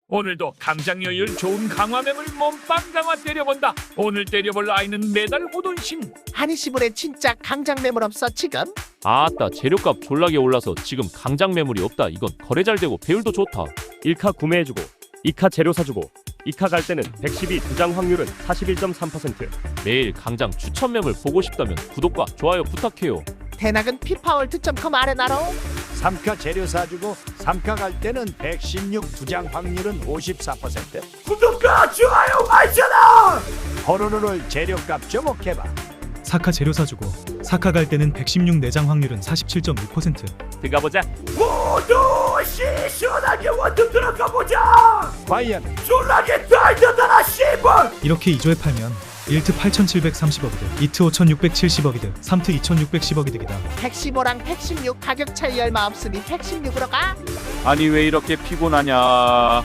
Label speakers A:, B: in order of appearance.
A: 오늘도 강장여율 좋은 강화매물 몸빵 강화 때려본다. 오늘 때려볼 아이는 매달 호돈심.
B: 한이시불에 진짜 강장 매물 없어 지금?
C: 아따 재료값 졸라게 올라서 지금 강장 매물이 없다. 이건 거래 잘 되고 배율도 좋다.
D: 1카 구매해주고 2카 재료 사주고 2카 갈 때는 112 두장 확률은 41.3%.
C: 매일 강장 추천 매물 보고 싶다면 구독과 좋아요 부탁해요.
B: 대낙은 피파월드.com 아레나로
E: 3카 재료 사주고 3카 갈 때는 116 두장 확률은 54%.
A: 구독과 좋아요 알잖아.
E: 호로로를 재료값 좀 해봐.
F: 4카 재료 사주고 4카 갈 때는 116 내장 확률은 47.6%.
C: 들어가보자.
A: 모두 시원하게 원두 들어가 보자.
E: 과연
A: 졸라게 달려다라 씨발.
F: 이렇게 2조에 팔면 1트 8,730억이득, 2트 5,670억이득, 3트 2,610억이득이다.
B: 115랑 116 가격 차이 얼마 없으니 116으로 가.
G: 아니 왜 이렇게 피곤하냐.